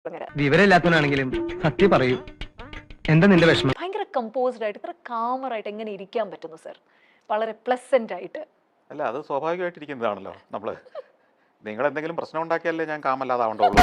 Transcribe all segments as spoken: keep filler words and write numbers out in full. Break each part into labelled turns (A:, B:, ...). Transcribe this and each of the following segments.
A: വിവരമില്ലാത്തവനാണെങ്കിലും സത്യം പറയൂ. എന്താ നിന്റെ വിഷമം?
B: ഭയങ്കര കമ്പോസ്ഡ് ആയിട്ട് ഇത്ര കാമറായിട്ട് എങ്ങനെ ഇരിക്കാൻ പറ്റുന്നു സർ? വളരെ പ്ലസന്റ് ആയിട്ട്.
C: അല്ല, അത് സ്വാഭാവികമായിട്ടിരിക്കുന്നതാണല്ലോ. നമ്മള് നിങ്ങൾ എന്തെങ്കിലും പ്രശ്നം ഉണ്ടാക്കിയാലേ ഞാൻ കാമല്ലാതാവണ്ടുള്ളൂ.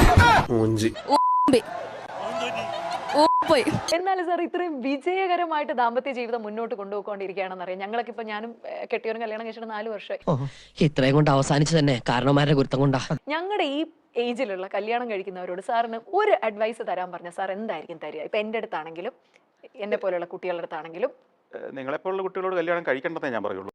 B: എന്നാലും സാർ ഇത്രയും വിജയകരമായിട്ട് ദാമ്പത്യ ജീവിതം മുന്നോട്ട് കൊണ്ടുപോയിക്കൊണ്ടിരിക്കുകയാണെന്ന് അറിയാം. ഞങ്ങളൊക്കെ ഇപ്പൊ ഞാനും കെട്ടിയവരും കല്യാണം കഴിച്ചിട്ട് നാല് വർഷമായി.
D: ഇത്രയും കൊണ്ട് അവസാനിച്ചു തന്നെ കാരണവന്മാരുടെ ഗുരുത്തം കൊണ്ടാ.
B: ഞങ്ങളുടെ ഈ ഏജിലുള്ള കല്യാണം കഴിക്കുന്നവരോട് സാറിന് ഒരു അഡ്വൈസ് തരാൻ പറഞ്ഞ സാർ എന്തായിരിക്കും തരിക? ഇപ്പൊ എന്റെ അടുത്താണെങ്കിലും എന്നെ പോലെയുള്ള കുട്ടികളുടെ അടുത്താണെങ്കിലും.
C: നിങ്ങളെപ്പോലുള്ള കുട്ടികളോട് കല്യാണം കഴിക്കേണ്ടതേ ഞാൻ പറയുള്ളൂ.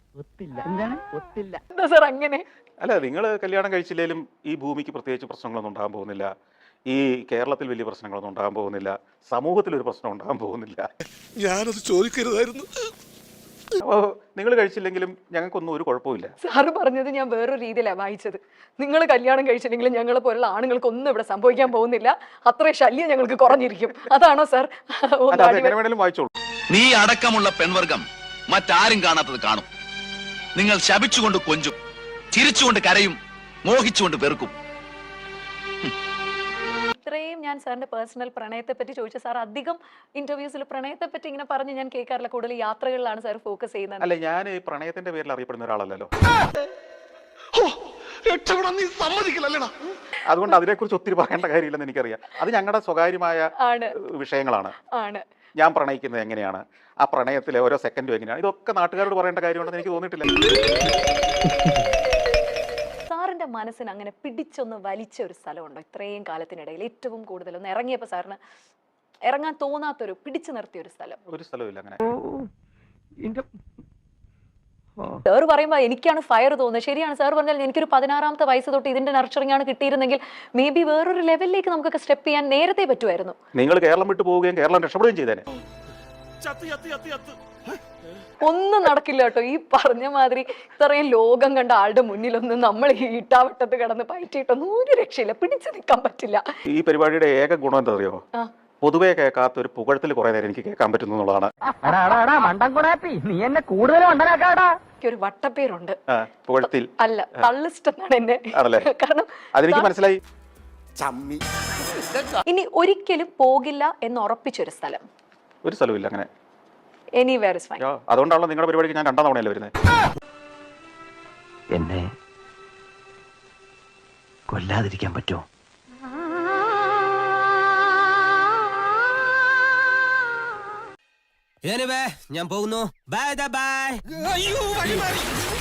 B: എന്താ സാർ അങ്ങനെ?
C: അല്ല, നിങ്ങൾ കല്യാണം കഴിച്ചില്ലേലും ഈ ഭൂമിക്ക് പ്രത്യേകിച്ച് പ്രശ്നങ്ങളൊന്നും ഉണ്ടാകാൻ പോകുന്നില്ല. ഈ കേരളത്തിൽ വലിയ പ്രശ്നങ്ങളൊന്നും ഉണ്ടാകാൻ പോകുന്നില്ല. സമൂഹത്തിൽ ഒരു പ്രശ്നം ഉണ്ടാകാൻ പോകുന്നില്ല.
E: ഞാനത് ചോദിക്കരുതായിരുന്നു.
C: അപ്പോൾ നിങ്ങൾ കഴിച്ചില്ലെങ്കിലും ഞങ്ങൾക്കൊന്നും ഒരു കുഴപ്പമില്ല.
B: സാറ് പറഞ്ഞത് ഞാൻ വേറൊരു രീതിയിലാണ് വായിച്ചത്. നിങ്ങൾ കല്യാണം കഴിച്ചില്ലെങ്കിലും ഞങ്ങളെ പോലുള്ള ആണുങ്ങൾക്ക് ഒന്നും ഇവിടെ സംഭവിക്കാൻ പോകുന്നില്ല, അത്രയും ശല്യം ഞങ്ങൾക്ക് കുറഞ്ഞിരിക്കും. അതാണോ സാർ?
C: വായിച്ചോളൂ.
F: നീ അടക്കമുള്ള പെൺവർഗം മറ്റാരും കാണാത്തത് കാണും. നിങ്ങൾ ശപിച്ചുകൊണ്ട് കൊഞ്ചും, ചിരിച്ചുകൊണ്ട് കരയും, മോഹിച്ചുകൊണ്ട് വെറുക്കും.
B: ഇത്രയും ഞാൻ സാറിന്റെ പേഴ്സണൽ പ്രണയത്തെ പറ്റി ചോദിച്ച സാർ അധികം ഇന്റർവ്യൂസിൽ പ്രണയത്തെ പറ്റി ഇങ്ങനെ പറഞ്ഞ് ഞാൻ കേൾക്കാറില്ല. കൂടുതൽ യാത്രകളിലാണ് സാർ ഫോക്കസ് ചെയ്യുന്നത്.
C: അല്ല, ഞാൻ ഈ പ്രണയത്തിന്റെ പേരിൽ അറിയപ്പെടുന്ന ഒരാളല്ലല്ലോ. അതുകൊണ്ട് അതിനെക്കുറിച്ച് ഒത്തിരി പറയേണ്ട കാര്യമില്ലെന്ന് എനിക്കറിയാം. അത് ഞങ്ങളുടെ സ്വകാര്യമായ വിഷയങ്ങളാണ്. ഞാൻ പ്രണയിക്കുന്നത് എങ്ങനെയാണ്, ആ പ്രണയത്തിലെ ഓരോ സെക്കൻഡും എങ്ങനെയാണ്, ഇതൊക്കെ നാട്ടുകാരോട് പറയേണ്ട കാര്യമുണ്ടെന്ന് എനിക്ക് തോന്നിയിട്ടില്ല.
B: സാറിന്റെ മനസ്സിന് അങ്ങനെ പിടിച്ചൊന്ന് വലിച്ച ഒരു സ്ഥലമുണ്ടോ ഇത്രയും കാലത്തിനിടയിൽ? ഏറ്റവും കൂടുതൽ ഒന്ന് ഇറങ്ങിയപ്പോ സാറിന് ഇറങ്ങാൻ തോന്നാത്തൊരു പിടിച്ചു നിർത്തിയ ഒരു സ്ഥലം?
C: ഒരു സ്ഥലമില്ല അങ്ങനെ.
B: സാർ പറയുമ്പോ എനിക്കാണ് ഫയർ തോന്നുന്നത്. ശരിയാണ് സാർ പറഞ്ഞാൽ എനിക്കൊരു പതിനാറാമത്തെ വയസ്സ് തൊട്ട് ഇതിന്റെ നർച്ചറിംഗ് ആണ് കിട്ടിയിരുന്നെങ്കിൽ മേ ബി വേറൊരു ലെവലിലേക്ക് നമുക്കൊക്കെ സ്റ്റെപ്പ് ചെയ്യാൻ നേരത്തെ പറ്റുമായിരുന്നു.
C: നിങ്ങൾ കേരളം വിട്ടു പോവുകയും കേരളം രക്ഷപ്പെടുകയും ചെയ്തേനെ.
B: ഒന്നും നടക്കില്ല കേട്ടോ. ഈ പറഞ്ഞ മാതിരി ഇത്രയും ലോകം കണ്ട ആളുടെ മുന്നിലൊന്നും നമ്മൾ ഈ ഇട്ടാവട്ടത്ത് കിടന്ന് പയറ്റിയിട്ടൊന്നും ഒരു രക്ഷയില്ല, പിടിച്ചു നിൽക്കാൻ പറ്റില്ല.
C: ഈ പരിപാടിയുടെ ഏക ഗുണം എന്താ അറിയോ? പൊതുവെ കേൾക്കാത്ത ഒരു പുകഴത്തിൽ കുറെ നേരം എനിക്ക് കേൾക്കാൻ പറ്റുന്നു എന്നുള്ളതാണ്.
B: ഒരു വട്ടപ്പേരുണ്ട്
C: പുകഴത്തിൽ,
B: അല്ല തള്ളിസ്റ്റ് എന്നാണ് എന്നെ. കാരണം
C: അതെനിക്ക് മനസ്സിലായി.
B: ഇനി ഒരിക്കലും പോകില്ല എന്ന് ഉറപ്പിച്ചൊരു സ്ഥലം?
C: ഒരു സ്ഥലമില്ല അങ്ങനെ.
B: Anywhere is fine.
C: അതുകൊണ്ടാണല്ലോ നിങ്ങളുടെ പരിപാടിക്ക് ഞാൻ രണ്ടാം തവണയല്ലേ വരുന്നത്.
A: എന്നെ കൊല്ലാതിരിക്കാൻ പറ്റുമോ?
D: ഞാൻ പോകുന്നു. Bye by.